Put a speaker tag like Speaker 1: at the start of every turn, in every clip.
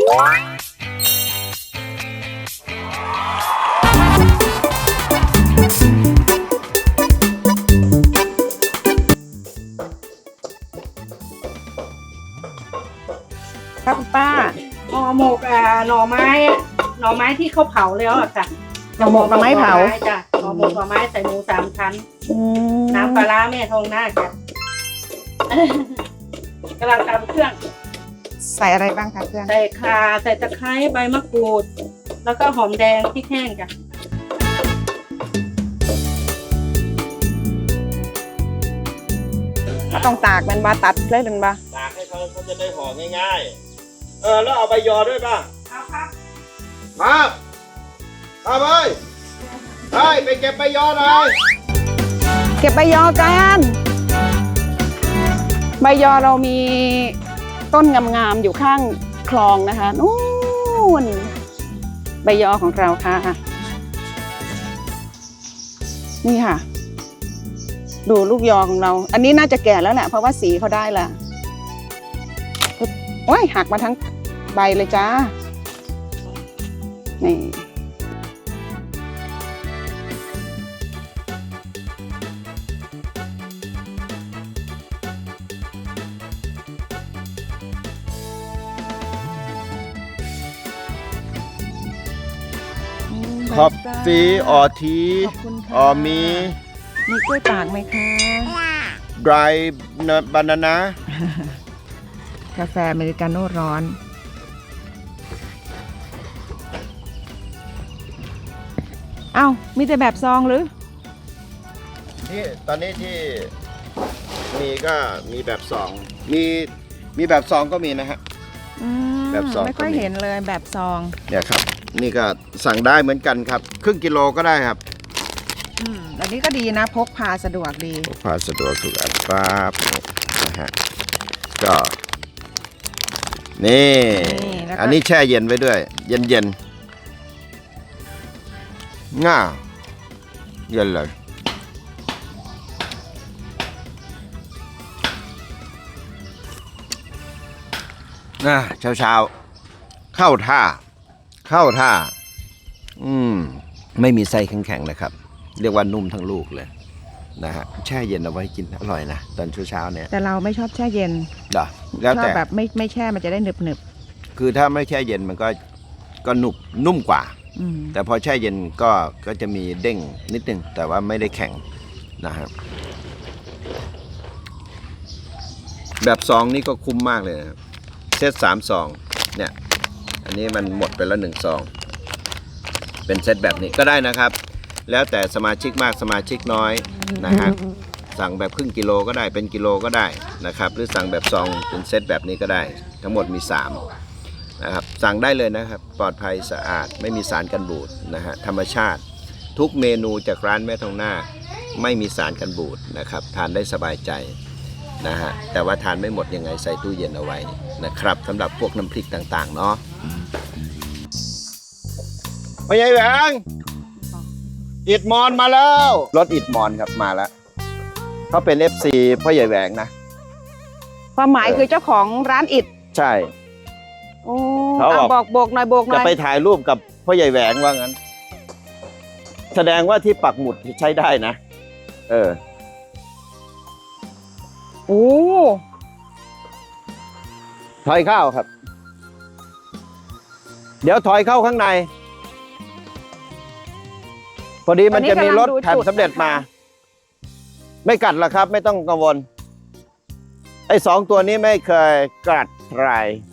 Speaker 1: ครับป้าห่อหมกหน่อไม้ที่เขาเผาแล้วอะค่ะ
Speaker 2: หน่อหมกหน่อไม้เผา
Speaker 1: จ้ะห่อหมกหน่อไม้ใส่หมู3 ชั้นน้ำปลาร้าแม่ทองหน้าจ้ะ กำลังตำเครื่อง
Speaker 2: ใส่อะไรบ้างคะเครื่อง
Speaker 1: ใส่ข่าใส่ตะไคร้ใบมะกรูด แล้วก็หอมแดงพริกแห้งจ้ะ
Speaker 2: ต้องตากมันบาตัดเลยเป็นบา
Speaker 3: ตากให้เขาจะได้ห่อง่ายๆแล้วเอาใบยอด้วยป่ะ
Speaker 1: เอาครับ
Speaker 3: ครับครับเอ้ยไปเก็บใบยอหน่อย
Speaker 2: เก็บใบยอกันใบยอเรามีต้นงามๆอยู่ข้างคลองนะคะนู่นใบยอของเราค่ะนี่ค่ะ ดูลูกยอของเรา อันนี้น่าจะแก่แล้วแหละเพราะว่าสีเขาได้ละโอ้ยหักมาทั้งใบเลยจ้านี่
Speaker 3: ขอบฟีออที
Speaker 2: ขอบคุณค่ะ
Speaker 3: ออมี
Speaker 2: มีกล้วยตากไหมคะ
Speaker 3: dry banana
Speaker 2: กาแฟอเมริกาโน่ร้อน เอ้า มีแต่แบบซองหรือ
Speaker 3: ที่ตอนนี้ที่มีก็มีแบบ2มีแบบ2ก็มีนะฮะ แบบซอง
Speaker 2: ไม่ค่อย
Speaker 3: ก็มี
Speaker 2: เห็นเลยแบบซอง
Speaker 3: เนี่ยครับ นี่ก็สั่งได้เหมือนกันครับครึ่งกิโลก็ได้ครับ
Speaker 2: อันนี้ก็ดีนะ พกพาสะดวกดี
Speaker 3: พกพาสะดวกทุกอันปั๊บนะฮะก็นี่
Speaker 2: แล้วก็
Speaker 3: อันนี้แช่เย็นไว้ด้วย เย็นง่าเย็นเลยเช้าเข้าท่าไม่มีไส้แข็งๆนะครับ เรียกว่านุ่มทั้งลูกเลยนะฮะแช่เย็นเอาไว้กินอร่อยนะตอนเช้าเนี่ย
Speaker 2: แต่เราไม่ชอบแช่เย็น
Speaker 3: แล้ว
Speaker 2: ชอบ
Speaker 3: แต่
Speaker 2: แบบไม่แช่มันจะได้หนึบ
Speaker 3: คือถ้าไม่แช่เย็นมันก็นุ่มกว่า
Speaker 2: ๆ
Speaker 3: แต่พอแช่เย็นก็จะมีเด้งนิดนึงแต่ว่าไม่ได้แข็งนะครับแบบซองนี่ก็คุ้มมากเลยนะครับเซต3 ซองเนี่ยอันนี้มันหมดไปแล้ว1 ซองเป็นเซตแบบนี้ก็ได้นะครับ แล้วแต่สมาชิกมากสมาชิกน้อยนะฮะสั่งแบบครึ่งกิโลก็ได้เป็นกิโลก็ได้นะครับหรือสั่งแบบซองเป็นเซตแบบนี้ก็ได้ทั้งหมดมี3นะครับสั่งได้เลยนะครับปลอดภัยสะอาดไม่มีสารกันบูดนะฮะธรรมชาติทุกเมนูจากร้านแม่ทองนาคไม่มีสารกันบูดนะครับทานได้สบายใจนะฮะแต่ว่าทานไม่หมดยังไงใส่ตู้เย็นเอาไว้นะครับสำหรับพวกน้ำพริกต่างๆเนาะพ่อใหญ่แหวงอิดมอนมาแล้วรถอิดมอนครับมาแล้วเขาเป็น FC พ่อใหญ่แหวงนะ
Speaker 2: ความหมายคือเจ้าของร้านอิฐ
Speaker 3: ใช่
Speaker 2: โอ้
Speaker 3: เขาบอก
Speaker 2: บอกโบกหน่อยโบกหน่
Speaker 3: จะ
Speaker 2: อย
Speaker 3: ไปถ่ายรูปกับพ่อใหญ่แหวงว่างั้น แสดงว่าที่ปักหมุดใช้ได้นะ
Speaker 2: โอ้
Speaker 3: ถอยเข้าครับ เดี๋ยวถอยเข้าข้างใน พอดีมันจะมีรถแถมสำเร็จมา ไม่กัดหรอกครับ ไม่ต้องกังวล ไอ้2 ตัวนี้ไม่เคยกัดใคร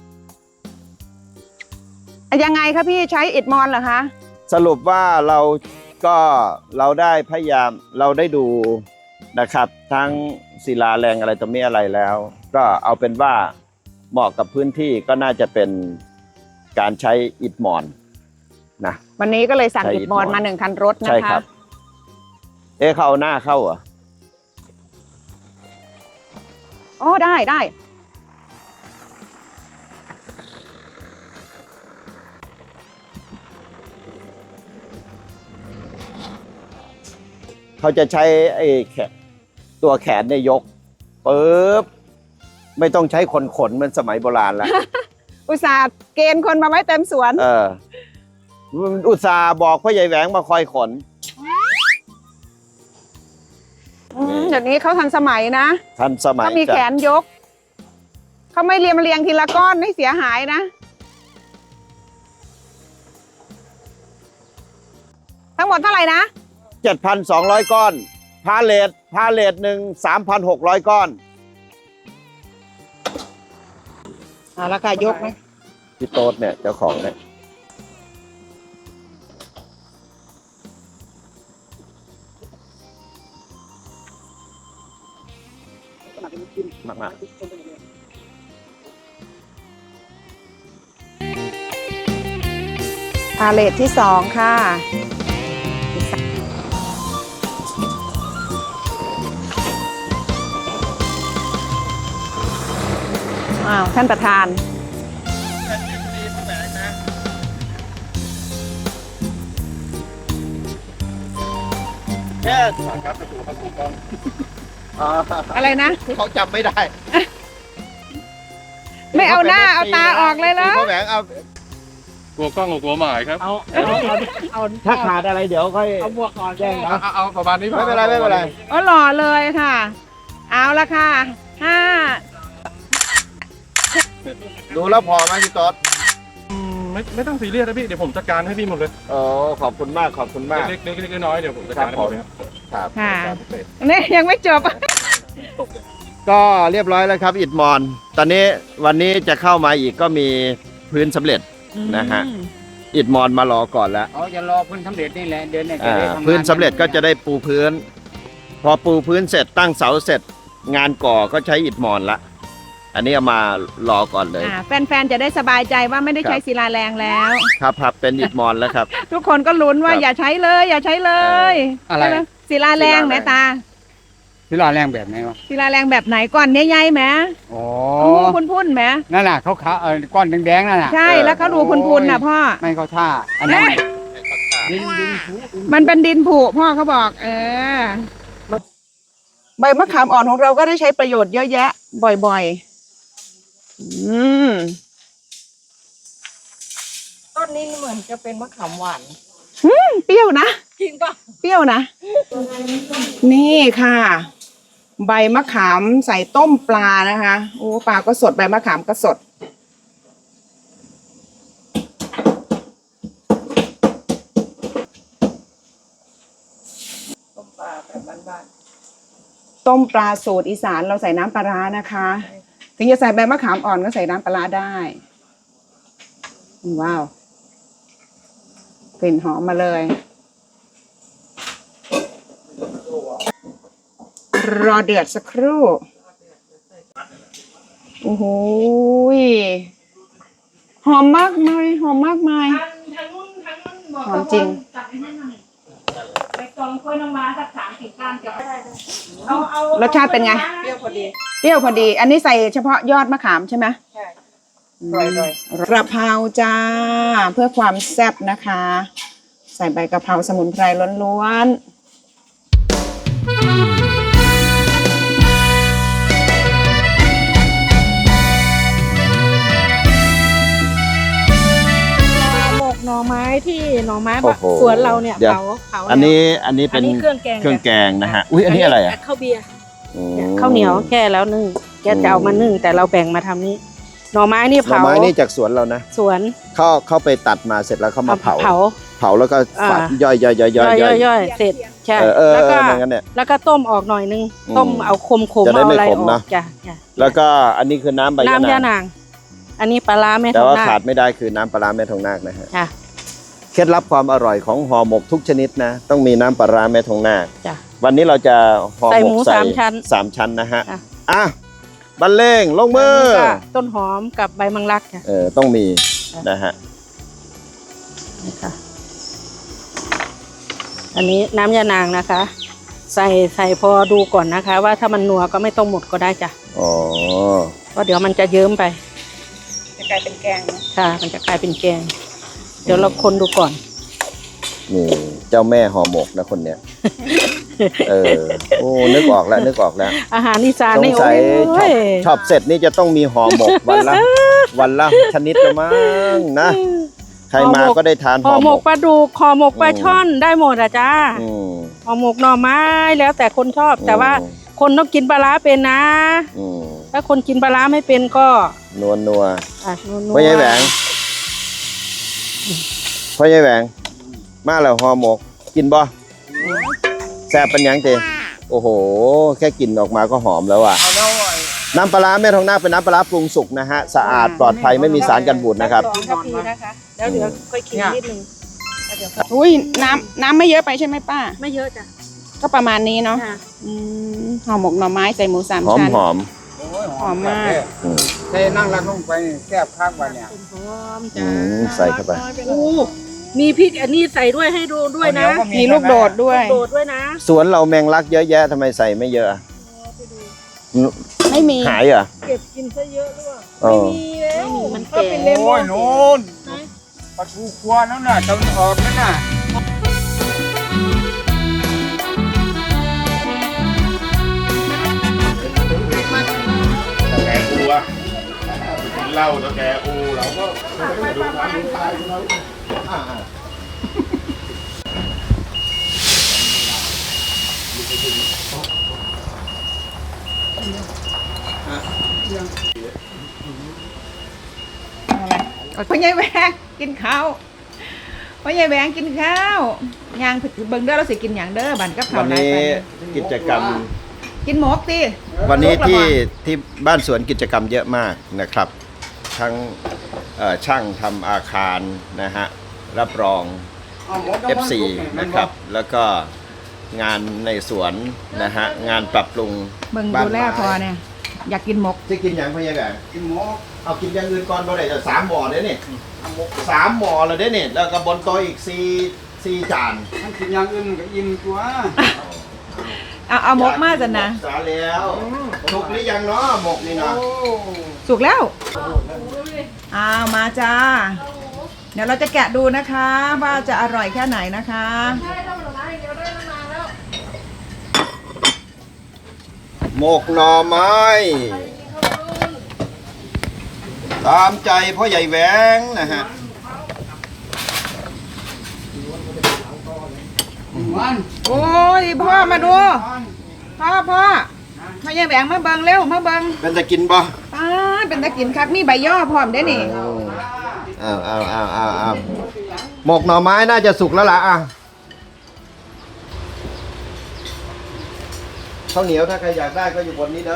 Speaker 2: ยังไงคะพี่ใช้อิฐมอนเหรอคะ
Speaker 3: สรุปว่าเราได้พยายามเราได้ดูนะครับ ทั้งศิลาแรงอะไรต่อมีอะไรแล้ว ก็เอาเป็นว่าเหมาะกับพื้นที่ก็น่าจะเป็นการใช้อิฐมอนนะ
Speaker 2: วันนี้ก็เลยสั่ง
Speaker 3: ใช้
Speaker 2: อิฐมอน
Speaker 3: อิฐมอน
Speaker 2: มา1 คันรถนะ
Speaker 3: ใช่
Speaker 2: คะ
Speaker 3: ครับ เขาเอาหน้าเข้าเหรอ
Speaker 2: อ๋อได้
Speaker 3: เขาจะใช้ตัวแขนเนี่ยยกปึ๊บไม่ต้องใช้ขนเหมือนสมัยโบราณแล้ว
Speaker 2: อุตส่าห์เกณฑ์คนมาไว้เต็มสวน
Speaker 3: อุตส่าห์บอกพ่อใหญ่แหวงมาคอยขน
Speaker 2: เดี๋ยวนี้เขาทันสมัยนะ
Speaker 3: ทันสมัย
Speaker 2: เขามีแขนยก เขาไม่เรียงทีละก้อนให้เสียหายนะ ทั้งหมดเท่าไหร่นะ
Speaker 3: 7,200 ก้อน พาเลทหนึ่ง 3,600 ก้อน
Speaker 2: ราคายกไหม
Speaker 3: พี่โต๊ดเนี่ยเจ้าของเนี่ยมาก
Speaker 2: พาเลทที่2ค่ะท่านประธาน
Speaker 3: แค่
Speaker 2: อะไรนะ
Speaker 3: เขาจำไม่ได้
Speaker 2: ไม่เอาหน้าเอาตาออกเลยเหรอ
Speaker 3: พ่อแหวงเอา
Speaker 4: กลัวกล้องกับกลัวหมายครับ
Speaker 3: ถ้าขาดอะไรเดี๋ยวค่อย
Speaker 1: เอาบวกก่อน
Speaker 3: แจ้งนะ
Speaker 4: เอาประมาณนี้
Speaker 3: ไม่เป็นไรไม่เป็นไร
Speaker 2: อ๋อหล่อเลยค่ะ เอาละค่ะ5
Speaker 3: ดูแล้วพอไหมพี่ต๊ด
Speaker 4: ไม่ต้องซีเรียสนะพี่ เดี๋ยวผมจัดการให้พี่หมดเลย
Speaker 3: โอ้ขอบคุณมากขอบคุณมาก
Speaker 4: เล็กๆน้อยๆเดี๋ยวผมจัดการให้หมดเลยครับ
Speaker 3: ครับ
Speaker 2: ค่ะนี่ยังไม่จบ
Speaker 3: ก็เรียบร้อยแล้วครับอิฐมอน ตอนนี้วันนี้จะเข้ามาอีกก็มีพื้นสำเร็จนะฮะอิฐมอนมารอก่อนแล้ว
Speaker 5: อ๋อจะรอพื้นสำเร็จนี่แหละเดือนเนี่ยจะได้ทำงาน
Speaker 3: พื้นสำเร็จก็จะได้ปูพื้น พอปูพื้นเสร็จตั้งเสาเสร็จ งานก่อก็ใช้อิฐมอนละอันนี้เอามารอก่อนเลย
Speaker 2: แฟนๆจะได้สบายใจว่าไม่ได้ใช้ศิลาแรงแล้ว
Speaker 3: ครับเป็นอิฐมอนแล้วครับ
Speaker 2: ทุกคนก็ลุ้นว่า
Speaker 3: ครับ
Speaker 2: อย่าใช้เลยอย่าใช้เลย
Speaker 5: อะไร
Speaker 2: ใช่หมศิลาแรง
Speaker 3: ศิลาแรง
Speaker 2: แม่ตา
Speaker 5: ที่รอแรงแบบไหนวะ
Speaker 2: ศิลาแรงแบบไหนก่อนใหญ่ๆแหม
Speaker 5: อ๋อ
Speaker 2: พุ่นๆแหม
Speaker 5: นั่นน่ะเขาขาก้อนแดงๆนั่นน่ะ
Speaker 2: ใช่แล้วเขาดูพุ่นๆน่ะพ่อ
Speaker 5: ไม่เข้าท่าอันนั้นดิน
Speaker 2: มันเป็นดินผุพ่อเขาบอก ใบมะขามอ่อนของเราก็ได้ใช้ประโยชน์เยอะแยะ บ่อยๆ
Speaker 1: ต้นนี้เหมือนจะเป็นมะขามหวาน
Speaker 2: เปรี้ยวนะ
Speaker 1: จริงป่ะ
Speaker 2: เปรี้ยวนะ นี่ค่ะ ใบมะขามใส่ต้มปลานะคะ โอ้ปลาก็สดใบมะขามก็สด
Speaker 1: ต้มปลาแบบบ้าน
Speaker 2: ต้มปลาสูตรอีสานเราใส่น้ำปลาร้านะคะ ถึงจะใส่ใบมะขามอ่อนก็ใส่น้ำปลาร้าได้ ว้าวกลิ่นหอมมาเลย รอเดือดสักครู่ โอ้โหยหอมมากมายหอมมากมาย
Speaker 1: ทางนู้นบอก
Speaker 2: หอมจริง
Speaker 1: จับให้นั่นหน่อยไปกองกล้วยน้ำว้าสัก3-4ก้านจะได้เอา
Speaker 2: รสชาติเป็นไง
Speaker 1: เปรี้ยวพอดี
Speaker 2: เปรี้ยวพอดี อันนี้ใส่เฉพาะยอดมะขามใช่ไหม
Speaker 1: ใช่
Speaker 2: กระเพราจ้า เพื่อความแซ่บนะคะ ใส่ใบกระเพราสมุนไพรล้วนๆ
Speaker 1: หมกหน่อไม้ที่หน่อไม้
Speaker 3: โอ้โห
Speaker 1: สวนเราเนี่ย
Speaker 3: เดี๋ยว
Speaker 1: เผา
Speaker 3: อันนี้เป็น
Speaker 1: เครื่องแกง
Speaker 3: เครื่องแกงนะฮะอุ้ยอันนี้อะไรอ่ะ
Speaker 1: ข้าวเบียร์
Speaker 3: อืม
Speaker 1: ข้าวเหนียวแค่แล้วนึ่งแกจะเอามานึ่งแต่เราแบ่งมาทำนี้หน่อไม้นี่
Speaker 3: หน่อ
Speaker 1: เผา
Speaker 3: ไม้นี่จากสวนเรานะ
Speaker 1: สวน
Speaker 3: เข้าไปตัดมาเสร็จแล้วเขามาเผา
Speaker 1: เผา
Speaker 3: เผาแล้วก็ฝัด
Speaker 1: อ่า
Speaker 3: ย่อย
Speaker 1: เสร็จใช่
Speaker 3: แล้ว
Speaker 1: แล้วก็
Speaker 3: อย่างนั้นเนี่ย
Speaker 1: แล้วก็ต้มออกหน่อยนึง
Speaker 3: อืม
Speaker 1: ต้มเอาคม
Speaker 3: จะได้
Speaker 1: เอา
Speaker 3: ไม่
Speaker 1: อะไร
Speaker 3: ข
Speaker 1: อ
Speaker 3: ม
Speaker 1: อ
Speaker 3: นะ
Speaker 1: กจ้ะจ้ะ
Speaker 3: แล้วก็อันนี้คือน้ำใบ
Speaker 1: น้ำ
Speaker 3: ยะนาน
Speaker 1: ยาง นาง อันนี้ปลาร้าแม่ท
Speaker 3: แต่
Speaker 1: อง
Speaker 3: ว่า
Speaker 1: นา
Speaker 3: ขา
Speaker 1: ค
Speaker 3: ดไม่ได้คือน้ำปลาร้าแม่ทองนาคนะฮะ
Speaker 1: จ้ะ
Speaker 3: เคล็ดลับความอร่อยของห่อหมกทุกชนิดนะ ต้องมีน้ำปลาร้าแม่ทองนาค
Speaker 1: จ้ะ
Speaker 3: วันนี้เราจะห่อ
Speaker 1: ใส่
Speaker 3: ห
Speaker 1: ห
Speaker 3: ม
Speaker 1: มู
Speaker 3: ก
Speaker 1: สามชั้น
Speaker 3: สามชั้นนะฮะ
Speaker 1: จ้ะ
Speaker 3: อ่ะบรรเลงลงมือ
Speaker 1: นนี้ก็ต้นหอมกับใบมังลักจ้ะ
Speaker 3: ต้องมี
Speaker 1: จ้ะ
Speaker 3: นะฮะ
Speaker 1: นี่ค่ะอันนี้น้ำยานางนะคะ ใส่พอดูก่อนนะคะ ว่าถ้ามันนัวก็ไม่ต้องหมดก็ได้จ้ะ
Speaker 3: อ๋อ
Speaker 1: เพราะเดี๋ยวมันจะเยิ้มไป
Speaker 2: จะกลายเป็นแกงนะ
Speaker 1: ค่ะ มันจะกลายเป็นแกง เดี๋ยวเราคนดูก่อน
Speaker 3: นี่เจ้าแม่ห่อหมกนะคนเนี้ย โอ้นึกออกแล้ว
Speaker 1: อาหารอีสาน
Speaker 3: สง
Speaker 1: นี่
Speaker 3: สัย
Speaker 1: โอ้ย
Speaker 3: ช็อปเสร็จนี่จะต้องมีห่อหมกวันละวันละชนิดละมั้งนะใครมาก็ได้ทาน
Speaker 1: ห่อหมกปลาดุกห่อหมกปลาช่อนได้หมดอ่ะจ้า
Speaker 3: อืม
Speaker 1: ห่อหมกหน่อไม้แล้วแต่คนชอบ แต่ว่าคนต้องกินปลาร้าเป็นนะ
Speaker 3: อืม
Speaker 1: ถ้าคนกินปลาร้าไม่เป็นก็
Speaker 3: นัวนัว
Speaker 1: อ่ะนัวๆ
Speaker 3: พ่อใหญ่แหวงพ่อใหญ่แหวงมาแล้วห่อหมกกินบ่แซ่บเป็นหยังเตโอ้โห แค่กลิ่นออกมาก็หอมแล้วอ่ะน้ำปลาร้าแม่ทองนาคเป็นน้ำปลาร้าปรุงสุกนะฮะสะอาดปลอดภัยไม่มีสารกันบูดนะครับ
Speaker 1: 2 ทัพพีนะคะแล้วเดี๋ยวค่อยกินนิดนึงแล้วเดี๋ยว
Speaker 2: อุ้ยน้ำไม่เยอะไปใช่ไหมป้า
Speaker 1: ไม่เยอะจ้ะ
Speaker 2: ก็ประมาณนี้เนาะ
Speaker 1: ค่ะ
Speaker 2: ห่อหมกหน่อไม้ใส่หมูสาม
Speaker 3: หอม
Speaker 2: ชั้น
Speaker 3: หอม
Speaker 2: หอมมาก
Speaker 5: เทนั่งรักลงไปแซ่บข้างวันเนี่ย
Speaker 1: หอม
Speaker 3: อื
Speaker 1: จ้าม
Speaker 3: ใส่เข้าไป
Speaker 1: โอ้มีพริกอันนี้ใส่ด้วยให้ดูด้วยนะ
Speaker 2: มีลูกโดดด้วย
Speaker 1: โดดด้วยนะ
Speaker 3: สวนเราแมงลักเยอะแยะทำไมใส่ไม่เยอะอะ
Speaker 2: ไม่มี
Speaker 3: หายเหรอ
Speaker 1: เก็บกินซะเยอะหรือเปล่า
Speaker 3: เออ
Speaker 1: มีแล้วมันแก่
Speaker 5: โอ้ยโน่นปลาทูครัวนั่นน่ะตะวันออกนั่นน่ะ
Speaker 6: แกอูอะกินเหล้าตะแกอูเราก็ดูน้ำดูตายเรา
Speaker 2: พ่อใหญ่แหวงกินข้าวพ่อใหญ่แหวงกินข้าวย่างเบิ่งเด้อเราสิกินอย่างเด้อบันกับข้า
Speaker 3: วั
Speaker 2: วน หลาย
Speaker 3: นี้
Speaker 2: ปัน
Speaker 3: กิจกรรม
Speaker 2: กินหมกสิ
Speaker 3: วันนี้ที่บ้านสวนกิจกรรมเยอะมากนะครับ ทั้งช่างทำอาคารนะฮะรับรอง F4 นะครับ แล้วก็งานในสวนนะฮะงานปรับปรุง
Speaker 2: เบิ่ง
Speaker 3: บ้าน
Speaker 2: ดูแล
Speaker 3: ไม้
Speaker 2: พอเนี่ยอยากกินหมก
Speaker 3: จะกินอย่างพ่อใหญ่แบบ
Speaker 5: กินหมู
Speaker 3: เอากินอย่างอื่นก่อนบ่ได้จะ3 หม้อเด้นี่3 หม้อแล้วเด้นี่แล้วก็บนโต๊ะอีก4 จาน
Speaker 5: มันกินอย่างอื่นก็อิ่มตัว
Speaker 2: เอาหมกมาจันนะ
Speaker 3: สาแล้วสุกหรือยังเนาะหมกนี่เนาะ
Speaker 2: สุกแล้วเอามาจ้า เดี๋ยวเราจะแกะดูนะคะ ว่าจะอร่อยแค่ไหนนะคะ
Speaker 3: หมกหน่อไม้ตามใจพ่อใหญ่แหวงนะฮะ
Speaker 5: มัน
Speaker 2: โอ้ยพ่อมาดู พ่อมาอย่าแหวงมาเบิงเร็วมาเบิง
Speaker 3: เป็นจะกินบ่
Speaker 2: ป้าดเป็นตะกินครับมีใบย่อพร้อมได้นี่
Speaker 3: เอาหมกหน่อไม้น่าจะสุกแล้วล่ะอ่ะข้าวเหนียวถ้าใครอยากได้ก็อยู่บนนี้เด้อ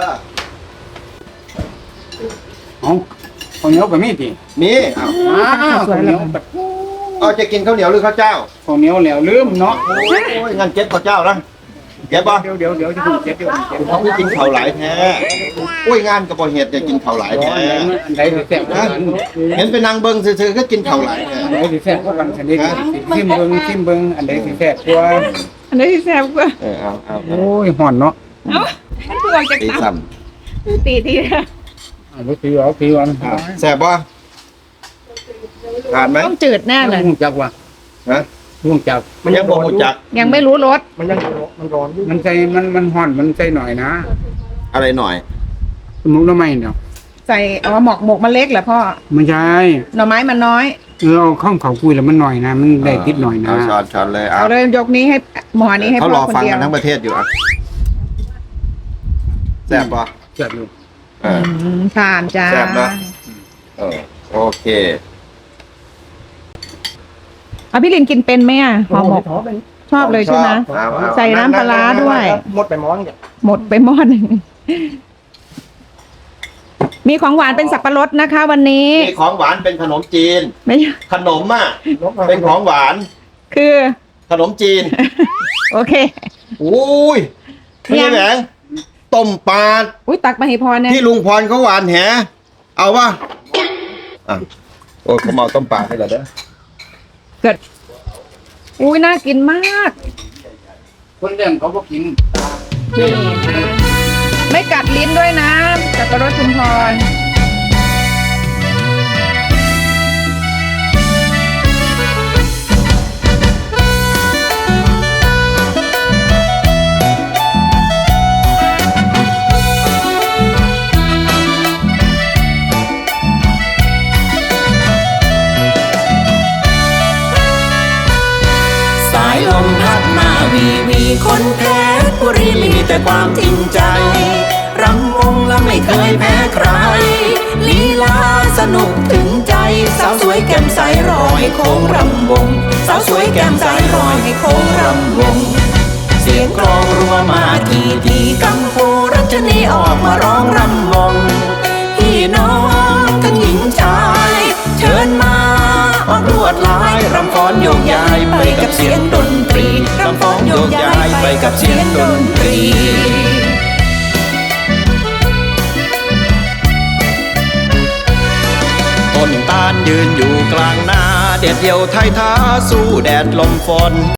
Speaker 5: เอาข้าวเหนียวก็มีดิ
Speaker 3: มีเอา
Speaker 5: ข้าวเหนียวแบบ
Speaker 3: เอาจะกินข้าวเหนียวหรือข้าวเจ้า
Speaker 5: ข้าวเหนียวแล้วลืมเนาะ
Speaker 3: โอ้ยงั้นเก็บข้าวเจ้านะเก็บบ่
Speaker 5: เดี๋ยวจะเก็บเดี๋ยว
Speaker 3: เขาไม่กินข้าวหลายแท้โอ้ยงานกับบ่เฮ็ดจะกินข้าวหลายแท้
Speaker 5: ไหนสิแซ่บกว่ากัน
Speaker 3: เห็นไปนั่งเบิ่งซื่อๆก็กินข้าวหลายแท้
Speaker 5: ไหนสิแซ่บกว่ากันอันนี้ชิมเบิ่งอันไหนสิแซ่บกว่า
Speaker 2: อันนี้แซ่บกว่า
Speaker 3: เอา
Speaker 5: โอ้ยห่อนเนาะ
Speaker 2: เอ้ามันตัวจาก
Speaker 3: ตี
Speaker 2: เตา
Speaker 3: ซ้ำ
Speaker 2: ตีนะ
Speaker 5: เอาถือเอา
Speaker 3: แซ่บบ่ผ่านไหม
Speaker 2: ต้องจืดแน่เลย
Speaker 5: ลุงจักว่า
Speaker 3: ฮะ
Speaker 5: ลุงจัก
Speaker 3: มันยังบ่รู้จัก
Speaker 2: ยังไม่รู้รส
Speaker 4: มันยังมันร้อนอยู่
Speaker 5: มันใส่มันห่อนมันใส่หน่อยนะ
Speaker 3: อะไรหน่อย
Speaker 5: สมุนไพรเนาะ
Speaker 2: ใส่หมกมันเล็กเหรอพ่อ
Speaker 5: ไม่ใช่
Speaker 2: หน่อไม้มันน้อย
Speaker 5: เอาข้าวเขาคุยแล้วมันหน่อยนะ มันได้ติดหน่อยนะ
Speaker 3: เอาช้อนเลยเอา
Speaker 2: เอาเลยยกนี้ให้หมอนี้ให้
Speaker 3: เขา
Speaker 2: พ่
Speaker 3: ร
Speaker 2: อ
Speaker 3: อ
Speaker 2: คน
Speaker 3: ฟัง
Speaker 2: เดีย
Speaker 3: กั
Speaker 2: วน
Speaker 3: ทั้งประเทศอยู่อ่ะแซ่บป่ะ
Speaker 5: เจ็บอยู่
Speaker 2: ผ่านจ้า
Speaker 3: แซ่บนะโอเค
Speaker 2: เอาพี่ลินกินเป็นไหมอ่ะห่อหมกชอบเลยใช่ไหม
Speaker 3: เอา
Speaker 2: ใส่น้ำปลาร้าด้วย
Speaker 4: หมดไปม้อนเนี่ย
Speaker 2: หมดไปหม้อหนึ่งมีของหวานเป็นสับปะรดนะคะ วันนี้
Speaker 3: นี่ของหวานเป็นขนมจีน
Speaker 2: ไม่ใช่
Speaker 3: ขนมอ่ะเป็นของหวาน
Speaker 2: คือ
Speaker 3: ขนมจีน
Speaker 2: โอเค
Speaker 3: อุ้ย
Speaker 2: ยั
Speaker 3: พี่
Speaker 2: ง
Speaker 3: แหวงต้มปลา
Speaker 2: อุ้ยตักมาให้พอเนี่ย
Speaker 3: ที่ลุงพรเขาหวานแหเอาวะอ่ะโอ้เขาเมาต้มปลาให้เราเด้อ
Speaker 2: เกิดอุ้ยน่ากินมาก
Speaker 5: คนเลี้ยงเขาก็กิน
Speaker 2: นี่ไม่กัดลิ้นด้วยนะสับปะรดชุมพร
Speaker 7: วีคนเพชรบุรีมีแต่ความจริงใจรำวงและไม่เคยแพ้ใครลีลาสนุกถึงใจสาวสวยแก้มใสรอให้โค้งรำวงสาวสวยแก้มใสรอให้โค้งรำวงเสียงกลองรัวมาทีกัมพูรัชนีออกมาร้องรำวงพี่น้องทั้งหญิงชายเชิญมาออกลวดลายรำฟ้อนโยกย้ายไปกับเสียงดนตรีรำฟ้อนโยกย้ายไปกับเสียงดนตรีต้นตาลยืนอยู่กลางนาเด็ดเดี่ยวไทยท้าสู้แดดลมฝน